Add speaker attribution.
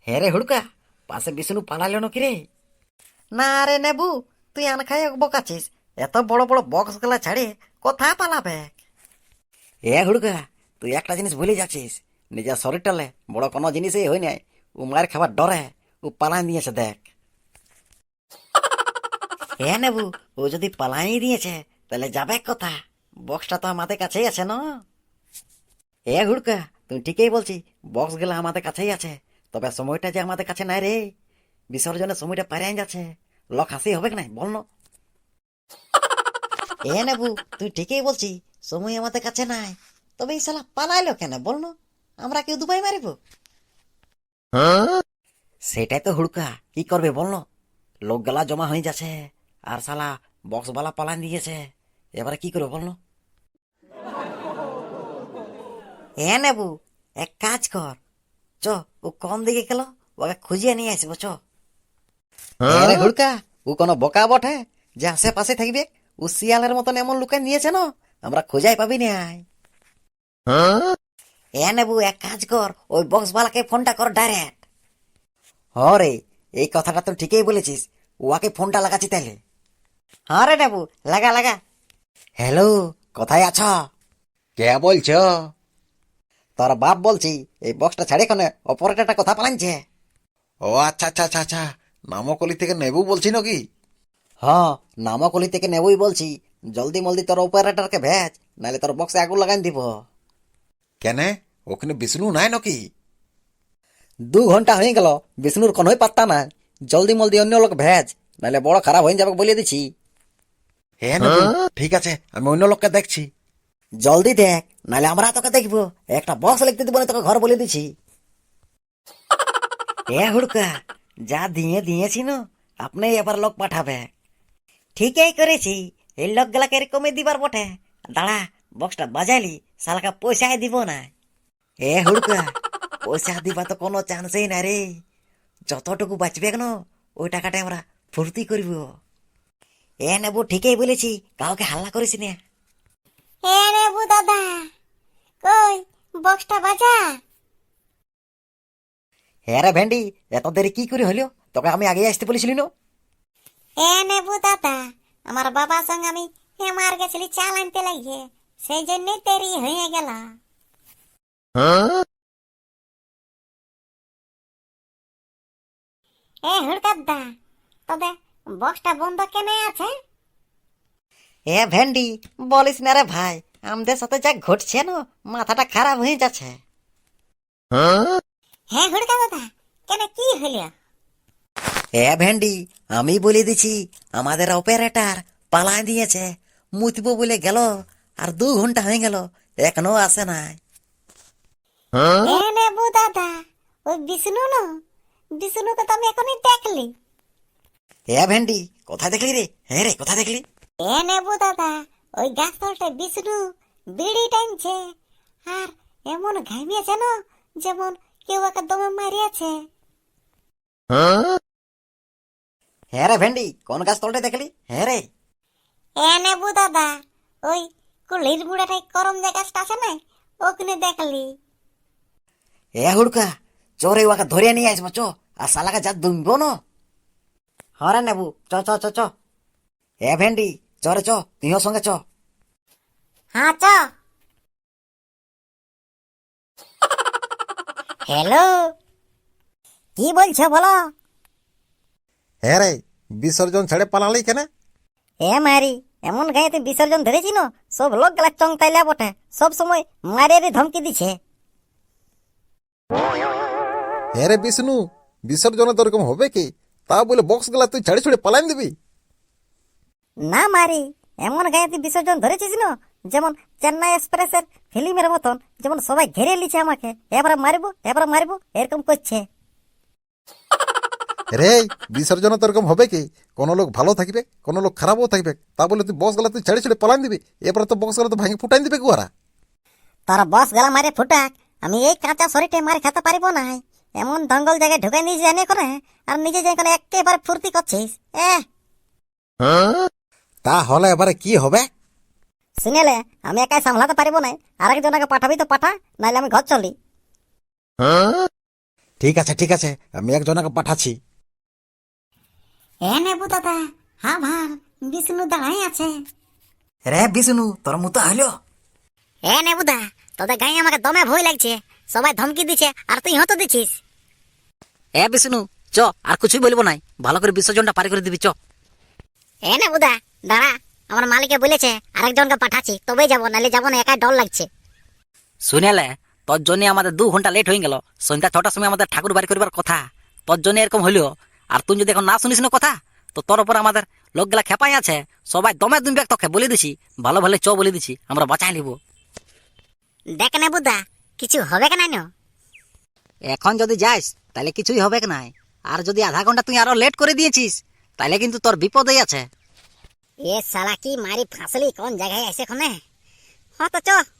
Speaker 1: হ্যাঁ রে হুড়কা, পাশে বিষ্ণু পালালো নাকি রে? না রে নেবু, তুই আন খাই বকাছিস। এত বড় বড় বক্স গুলা ছাড়ে কোথা পালাবে? এ হুড়কা, তুই একটা জিনিস ভুলে যাচ্ছিস। নিজের শরীরটালে বড় কোনো জিনিসই হই নাই। ও মার খাবার ডরে ও পালাই দিয়েছে দেখ। হ্যাঁ নেবু, ও যদি পালাই দিয়েছে তাহলে যাবে কোথা? বক্সটা তো আমাদের কাছেই আছে না? এ হুড়কা, তুই ঠিকই বলছি। বক্স গুলা আমাদের কাছেই আছে, তবে সময়টা যে আমাদের কাছে নাই রে। বিসর্জনের সময়টা পারিয়ে যাচ্ছে। লক হাসি হবে না বল না? এ নেবু, তুই ঠিকই বলছি, সময় আমাদের কাছে নাই। তবে এই শালা পালাইলো কেন বল না? আমরা কেউ দুবাই মারিব? সেটাই তো হুড়কা, কি করবে বল না? লোক গলা জমা হয়ে যাচ্ছে, আর শালা বক্স বালা পালান দিয়েছে। এবারে কি করবে বল না? এ নেবু, এক কাজ কর, চ, ও কোন দিকে গেল, ওকে খুঁজিয়ে নিয়ে আসবো চ। আরে হুড়কা, ও কোনো বোকা বটে যে আশেপাশে থাকবে? ও শিয়ালের মতন এমন লুকায় নিয়েছে না, আমরা খোঁজাই পাবি নাই। এ নেবু, এক কাজ কর, ওই বক্স বালাকে ফোনটা কর ডাইরেক্ট। হ রে, এই কথাটা তো ঠিকই বলেছিস। ওকে ফোনটা লাগাচ্ছি তাইলে। হ্যাঁ রে নেবু, লাগা লাগা। হ্যালো, কোথায় আছ? কে বলছ? তোর বাপ বলছি। এই বক্সটা ছাড়ে কোনে অপারেটরটা কথা পালাইছে।
Speaker 2: ও আচ্ছা আচ্ছা আচ্ছা আচ্ছা, নামকলি থেকে নেবু বলছি নাকি?
Speaker 1: হ্যাঁ, নামকলি থেকে নেবই বলছি। জলদি মলদি তোর অপারেটরকে ভেজ, নাহলে তোর বক্সে আগুন লাগাই দিব।
Speaker 2: কেনে, ওখানে বিষ্ণু নাই নাকি?
Speaker 1: 2 ঘন্টা হয়ে গেল, বিষ্ণুর কোনোই পাত্তা নাই। জলদি মলদি অন্য লোক ভেজ, নাহলে বড় খারাপ হয়ে যাবে বলে দিছি।
Speaker 2: হ্যাঁ নেবু, ঠিক আছে, আমি অন্য লোককে দেখছি।
Speaker 1: জলদি দেখ, নাহলে আমরা তোকে দেখবো। একটা বক্স লিখতে দিব না তোকে ঘর বলে দিছি। এ হুড়কা, যা দিয়ে দিয়েছি না, আপনি এবার লোক পাঠাবে। ঠিকই করেছি, এই লোক গুলাকে এরকমই দিবার বটে। দাঁড়া, বক্সটা বাজাইলি শালাকা পয়সাই দিব না। এ হুড়কা, পয়সা দিবা তো কোনো চান্সই না রে। যতটুকু বাঁচবে কেন, ওই টাকাটা আমরা ফুর্তি করব। এ নেবো, ঠিকই বলেছি, কাউকে হাল্লা করিস না।
Speaker 3: হে নেবু দাদা, কই বক্সটা বাজা।
Speaker 1: হ্যাঁ রে ভেন্ডি, এত দেরি কি করে হলো? তোকে আমি আগে আসতে বলেছিলি না?
Speaker 3: হে নেবু দাদা, আমার বাবার সঙ্গে আমি হেমার গেছিলি চাল আনতে লাগিয়ে, সেই জন্যই দেরি হয়ে গেল। এ হুড়কাদ্দা, তবে বক্সটা বন্ধ কেন আছে?
Speaker 1: এ ভেন্ডি, বলিস না রে ভাই, আমাদের সাথে যা ঘটছে না, মাথাটা খারাপ হয়ে যাচ্ছে।
Speaker 3: হ্যাঁ হুড়কা দাদা, কেন কি হইল?
Speaker 1: এ ভেন্ডি, আমি বলে দিছি, আমাদের অপারেটর পালাই দিয়েছে। মুতব বলে গেল, আর 2 ঘন্টা হয়ে গেল, এখনো আসে নাই।
Speaker 3: হে নেবু দাদা, ওই বিষ্ণু ন, বিষ্ণুকে তো আমি এখনই দেখলি।
Speaker 1: এ ভেন্ডি, কোথায় দেখলি রে? হ্যাঁ রে, কোথায় দেখলি?
Speaker 3: এ নেবু দাদা, ওই গাছ তলটায় বিষ্ণু বিড়ি টানছে, আর এমন ঘামিয়েছে না, যেমন কেউ একে দমে মারিয়াছে।
Speaker 1: হ্যাঁ রে ভেন্ডি, কোন গাছ তলটা দেখলি? হ্যাঁ রে।
Speaker 3: এ নেবু দাদা, ওই কুলির মুড়াটাই করম যে গাছটা আছে না, ওখানে দেখলি।
Speaker 1: এ হুড়কা, চোরে ওকে ধরে নিয়ে আসবো চ, আর শালাকে যা দুনবো না। হরে নেবু, চ চ চ চ। এ ভেন্ডি, চরে চ, তুইও সঙ্গে চ।
Speaker 3: হ্যাঁ চ। হ্যালো, কি বলছো বলো?
Speaker 2: হ্যাঁ রে, বিসর্জন ছেড়ে পালালি কেন?
Speaker 3: এ মারি, এমন গায়েতে বিসর্জন ধরেছি না, সব লোক গেলা চং তাইলা বটে, সব সময় মারিয়ে ধমকি দিছে।
Speaker 2: হ্যাঁ রে বিষ্ণু, বিসর্জনে তো এরকম হবে কি? তা বলে বক্স গুলা তুই ছেড়ে ছুড়ে পালাইন দিবি?
Speaker 3: না মারি, এমন গায়েতে বিসর্জন ধরেছিস না, যেমন চেন্নাই এক্সপ্রেসের ফিল্মের মতন, যেমন সবাই ঘেরে লিছে আমাকে, এবার মারিবো এবার মারিবো এরকম করছে।
Speaker 2: রে, বিসর্জনে তো এরকম হবে কি? কোনো লোক ভালো থাকবে, কোনো লোক খারাপও থাকবে, তা বলে তুই বক্স গুলা তুই ছেড়ে ছুড়ে পালাইন দিবি? এরপরে তো বক্স গুলা তো ভাঙে ফুটাইন দিবে কুয়ারা।
Speaker 3: তোর বস গেলা মারে ফুটাক, আমি এই কাঁচা শরীরটা মার খেতে পারিব না। এমন দঙ্গল জায়গায় ঢুকে নিয়ে জানে করে, আর নিজে যাই করে একেবারে ফুর্তি করছিস।
Speaker 2: তাহলে এবারে কি হবে?
Speaker 3: শুনেলে আমি একাই সামলাতে পারিব না, আরেকজনকে পাঠাবি তো পাঠা, নাইলে আমি ঘর চলি।
Speaker 2: ঠিক আছে আমি একজনকে পাঠাচ্ছি।
Speaker 3: এ নেবু দাদা, হ্যাঁ ভার বিষ্ণু দাঁড়াই আছে।
Speaker 1: রে বিষ্ণু, তোর মতো হইলো?
Speaker 3: এ নেবুদা, তোদের গায়ে আমাকে দমে ভয় লাগছে। সবাই ধমকি দিচ্ছে আর তুই হতো দিচ্ছিস।
Speaker 1: এ বিষ্ণু, চ, আর কিছুই বলবো নাই, ভালো করে বিসর্জনটা পারি করে দিবি, চ।
Speaker 3: এ নেবুদা দাঁড়া, আমার মালিকে বলেছে আরেকজনকে পাঠাচ্ছি তবেই যাবো, নাহলে যাবো না, একাই ডর লাগছে।
Speaker 1: শুনেলে, তোর জন্য আমাদের 2 ঘন্টা লেট হয়ে গেল। সন্ধ্যা 6টার সময় আমাদের ঠাকুর বাড়ি করবার কথা, তোর জন্য এরকম হইলো। আর তুই যদি এখন না শুনিস না কথা, তো তোর উপর আমাদের লোকগুলা খেপাই আছে। সবাই দমে দুমবে তোকে বলে দিছি, ভালো ভালো চ বলে দিছি, আমরা বাঁচাই নিব।
Speaker 3: দেখ নেবুদা, কিছু হবে কেন?
Speaker 1: এখন যদি যাস তাহলে কিছুই হবে নাই, আর যদি আধা ঘন্টা তুই আরো লেট করে দিয়েছিস তাহলে কিন্তু তোর বিপদেই আছে।
Speaker 3: এ শালা কি মারি ফাঁসলি, কোন জায়গায় এসে খনে। হ্যাঁ তো চ,